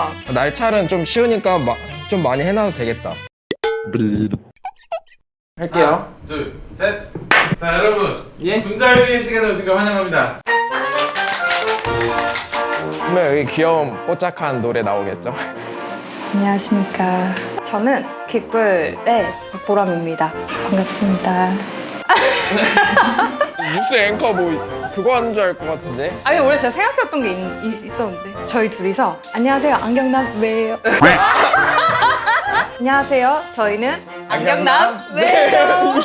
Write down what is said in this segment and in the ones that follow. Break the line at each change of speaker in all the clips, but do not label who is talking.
어렵다.
날찰은 좀 쉬우니까 좀 많이 해놔도 되겠다. 할게요.
하나, 둘, 셋. 자, 여러분.
예?
분자요리의 시간에 오신 걸 환영합니다.
분명 여기 귀여운 뽀짝한 노래 나오겠죠?
안녕하십니까. 저는 귓불의 박보람입니다. 반갑습니다.
뉴스 앵커 뭐 그거 하는 줄 알 것 같은데?
아니 원래 제가 생각해왔던 게 있었는데 저희 둘이서 안녕하세요 안경남 왜요? 안녕하세요 저희는 안경남 왜요?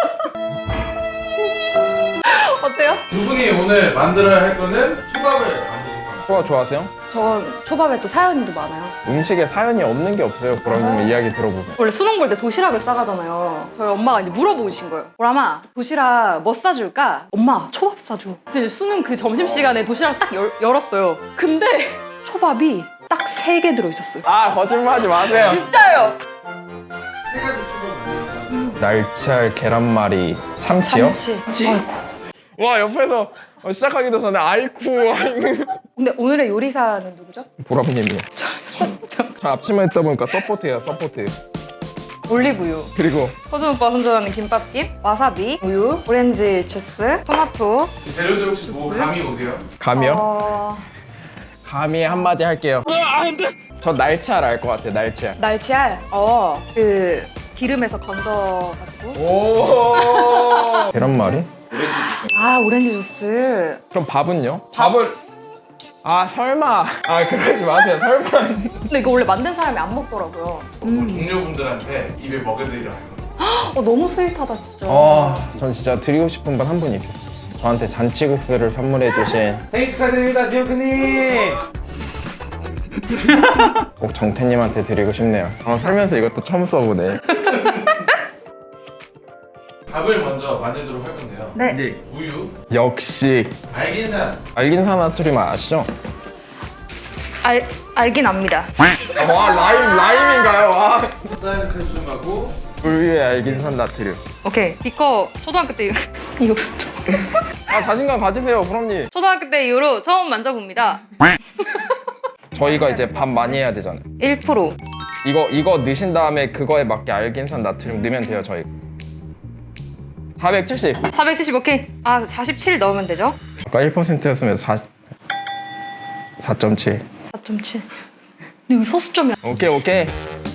어때요?
두 분이 오늘 만들어야 할 거는 초밥을 만드실 겁니다.
초밥 좋아하세요?
전 초밥에 또 사연도 많아요.
음식에 사연이 없는 게 없어요. 보람님 이야기 들어보면.
원래 수능 볼 때 도시락을 싸가잖아요. 저희 엄마가 이제 물어보신 거예요. 보람아 도시락 뭐 싸줄까? 엄마 초밥 싸줘. 그래서 이제 수능 그 점심시간에 도시락을 딱 열었어요. 근데 초밥이 딱 3개 들어있었어요.
아 거짓말하지 마세요.
진짜요?
세 가지 초밥을 만드셨어요.
날치알, 계란말이, 참치요?
참치. 아이고.
와 옆에서 시작하기도 전에 아이쿠
근데 오늘의 요리사는 누구죠?
보람님이요. 저 앞치마 있다 보니까 서포트예요. 서포트.
올리브유.
그리고
허준 오빠 선전하는 김밥김, 와사비, 우유, 오렌지 주스, 토마토.
재료들 혹시 뭐 감이 오세요?
감이요? 감이 한마디 할게요. 저 날치알 알 것 같아요. 날치알.
날치알. 그 기름에서 건져가지고.
오. 계란말이?
아 오렌지 주스.
그럼 밥은요? 밥을 설마. 그러지 마세요. 설마.
근데 이거 원래 만든 사람이 안 먹더라고요.
동료분들한테 입에 먹여드리려 할 겁니다.
너무 스윗하다 진짜.
전 진짜 드리고 싶은 분 한 분이 있어요. 저한테 잔치국수를 선물해 주신
생일 축하드립니다, 지오크님.
꼭 정태님한테 드리고 싶네요. 살면서 이것도 처음 써보네.
밥을 먼저 만들도록 할 건데요.
네.
우유,
역시
알긴산,
알긴산화투림 아시죠?
알긴 압니다.
와 라임인가요? 와.
쌀 칼슘하고
물 위에 알긴산 나트륨.
오케이. 이거 초등학교 때 이거
자신감 가지세요, 보람님.
초등학교 때 이후로 처음 만져봅니다.
저희가 이제 밥 많이 해야 되잖아요.
1%.
이거 넣으신 다음에 그거에 맞게 알긴산 나트륨 넣으면 돼요, 저희. 470.
470 오케이. 47 넣으면 되죠?
아까 1%였으면 4.7.
4.7. 근데 여기 소수점이야.
오케이.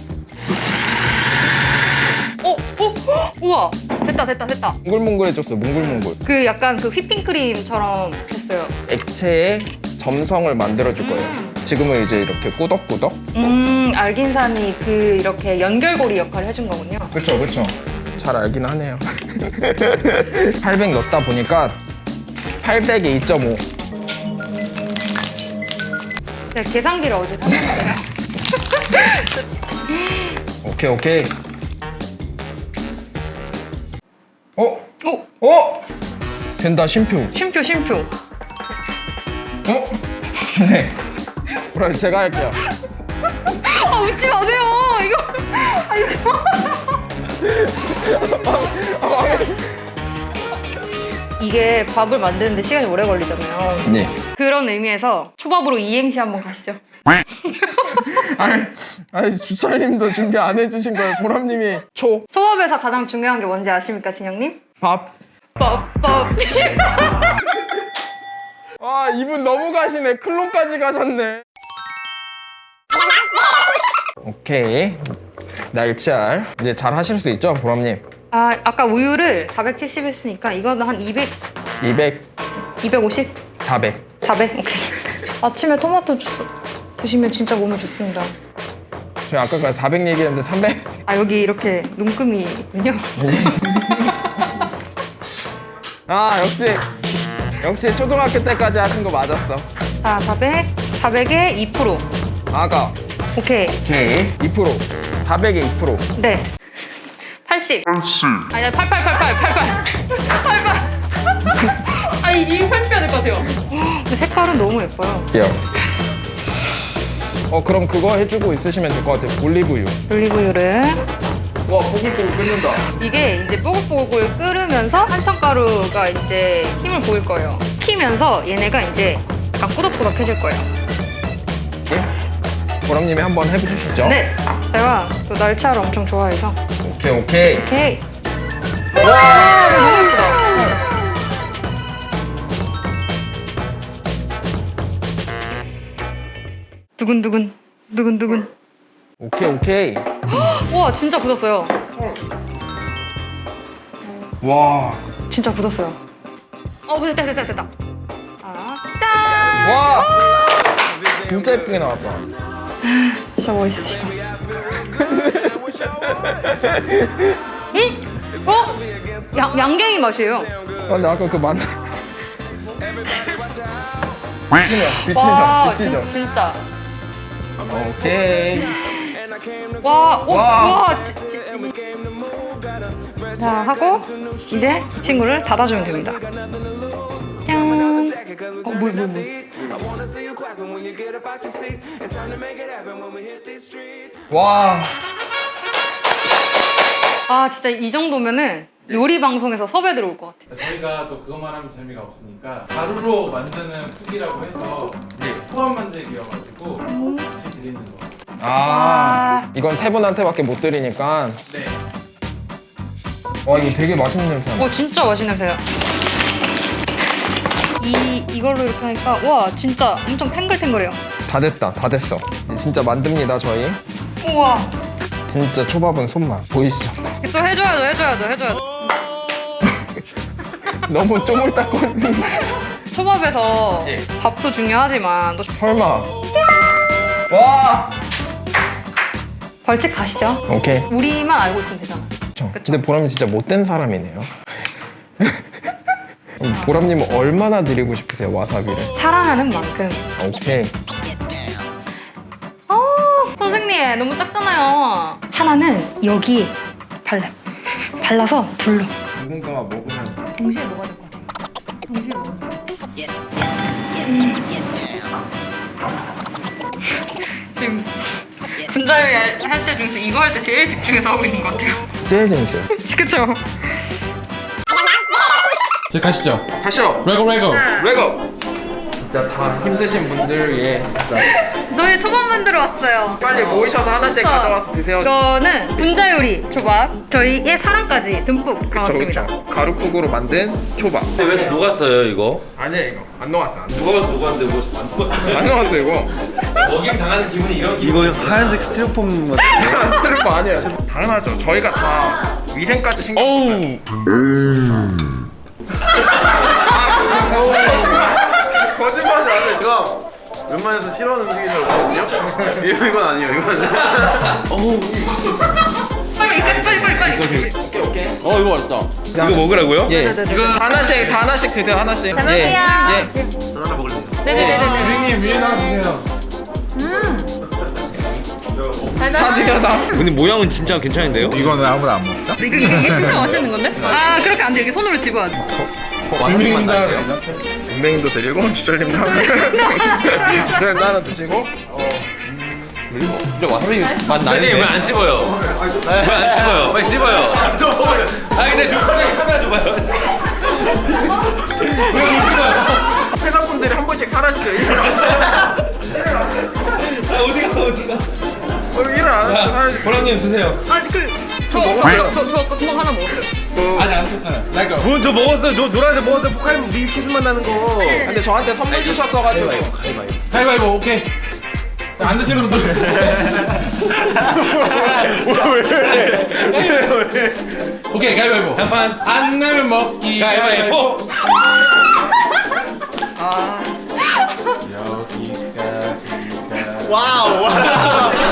우와. 됐다.
몽글몽글해졌어요, 몽글몽글.
그 약간 그 휘핑크림처럼 됐어요.
액체에 점성을 만들어줄 거예요. 지금은 이제 이렇게 꾸덕꾸덕.
알긴산이 그 이렇게 연결고리 역할을 해준 거군요.
그쵸. 잘 알긴 하네요. 800 넣다 보니까 800에 2.5.
제가 계산기를 어제 샀는데요.
오케이. 된다, 쉼표.
쉼표.
네. 그럼 제가 할게요.
웃지 마세요. 이게 밥을 만드는데 시간이 오래 걸리잖아요.
네.
그런 의미에서 초밥으로 이행시 한번 가시죠.
아니 주철님도 준비 안 해주신 거예요. 보람님이
초밥에서 가장 중요한 게 뭔지 아십니까, 진영님?
밥.
밥.
와 이분 너무 가시네. 클론까지 가셨네. 오케이. 날치알 이제 잘 하실 수 있죠, 보람님?
아까 우유를 470 했으니까 이거는 한 200, 250?
400.
400? 오케이. 아침에 토마토 주스 드시면 진짜 몸에 좋습니다.
저희 아까까지 400 얘기했는데 300.
여기 이렇게 눈금이 있군요.
역시 초등학교 때까지 하신 거 맞았어.
자, 400에 2%. 오케이.
2%. 400에 2%.
네. 80. 아니, 88. 이거 편집해야 될 것 같아요. 근데 색깔은 너무 예뻐요.
할게요. 그럼 그거 해주고 있으시면 될 것 같아요. 올리브유.
올리브유를.
와, 보글보글 끓는다.
이게 이제 뽀글뽀글 끓으면서 한천가루가 이제 힘을 보일 거예요. 키면서 얘네가 이제 약간 꾸덕꾸덕해질 거예요.
보람님이 한번 해주시죠.
네, 제가 또 날치알을 엄청 좋아해서.
오케이 오케이.
오케이. 와, 이거 너무 예쁘다. 두근두근, 두근두근.
오케이 오케이.
와, 진짜 굳었어요.
와.
진짜 굳었어요. 됐다. 아, 짠!
와. 진짜 예쁘게 나왔다.
진짜 멋있으시다. 양갱이 맛이에요.
근데 아까 그 만두.
와,
비치죠.
진짜.
오케이.
와. 자, 하고 이제 이 친구를 닫아주면 됩니다. 짠. 물.
와.
아, 진짜 이 정도면은 요리 방송에서 섭외 들어올 것 같아.
저희가 또 그것만 하면 재미가 없으니까 가루로 만드는 쿡이라고 해서 토합 만들기여가지고 같이 드리는 거.
아. 이건 세 분한테밖에 못 드리니까.
네.
와 이거 되게 맛있는 냄새 난다.
진짜 맛있는 냄새야. 이걸로 이렇게 하니까 와, 진짜 엄청 탱글탱글해요.
다 됐다. 다 됐어. 진짜 만듭니다 저희.
우와.
진짜 초밥은 손맛 보이시죠?
또 해줘야죠.
너무 쪼물딱거리는.
초밥에서
예.
밥도 중요하지만 또
설마. 와.
벌칙 가시죠.
오케이.
우리만 알고 있으면 되잖아.
그쵸. 근데 보람이 진짜 못된 사람이네요. 보람님은 얼마나 드리고 싶으세요 와사비를?
사랑하는 만큼.
오케이.
선생님 너무 작잖아요. 하나는 여기 발라서 둘러.
누군가가 먹으면
동시에 먹어야 될 것 같아요. 동시에 먹어야 돼. 지금 분자요리 할 때 중에서 이거 할 때 제일 집중해서 하고 있는 것 같아요.
제일 재밌어요.
그쵸?
이제 가시죠.
하시오.
레고.
레고. 진짜 다 힘드신 분들을 위해 진짜
너희 초밥 만들어 왔어요.
빨리 모이셔서 하나씩
진짜.
가져와서 드세요.
이거는 분자요리 초밥. 저희의 사랑까지 듬뿍 담았습니다.
가루쿡으로 만든 초밥.
근데 왜 녹았어요 이거?
아니야 이거 안 녹았어.
누가 녹았는데 뭐안 녹았어요?
안 녹았어 이거.
먹임 당하는 기분이 이런 기분.
이거 하얀색 스티로폼 같은
트루프 아니에요. 당연하죠. 저희가 다 위생까지 신경 썼어요. 거짓말이 안 해.
제가 웬만해서 싫어하는 음식이 잘 없거든요? 이건 아니에요, 이건
빨리.
이거 맛있다.
이거 먹으라고요?
예.
네네네.
이거 하나씩 드세요 하나씩.
잘 먹을게요.
예.
하나 먹을래요.
네네네네.
유리님 위에 나가 드세요.
다 드려 다.
근데 모양은 진짜 괜찮은데요?
이거는 아무나 안 먹자.
이게 진짜 맛있는 건데? 아, 그렇게 안 돼. 이렇게 손으로 집어야 돼.
국민입니다.
분명히도 드리고 주철님도 하고. 그래 나는 드시고.
진짜 와사비 맛 나는데? 왜안 씹어요? 왜안 씹어요? 빨리 씹어요. 아 근데 저 갑자기 카메라 줘봐요. 왜못 씹어요?
회사분들이 한 번씩 사라지죠.
아 어디가?
일을 안 하죠. 사라지죠.
보람님 드세요.
아, 저 아까 구멍 하나 먹었어요.
아직 안 드셨잖아요. 레고.
저 먹었어요. 저 노란색 먹었어요. 포카리 밀키스만 나는 거.
근데 저한테 선물 주셨어가지고.
가위바위보 오케이. 안 드시는 분들. 왜? 오케이 가위바위보.
단판.
안 나면 먹기.
가위바위보.
여기까지가.
와우!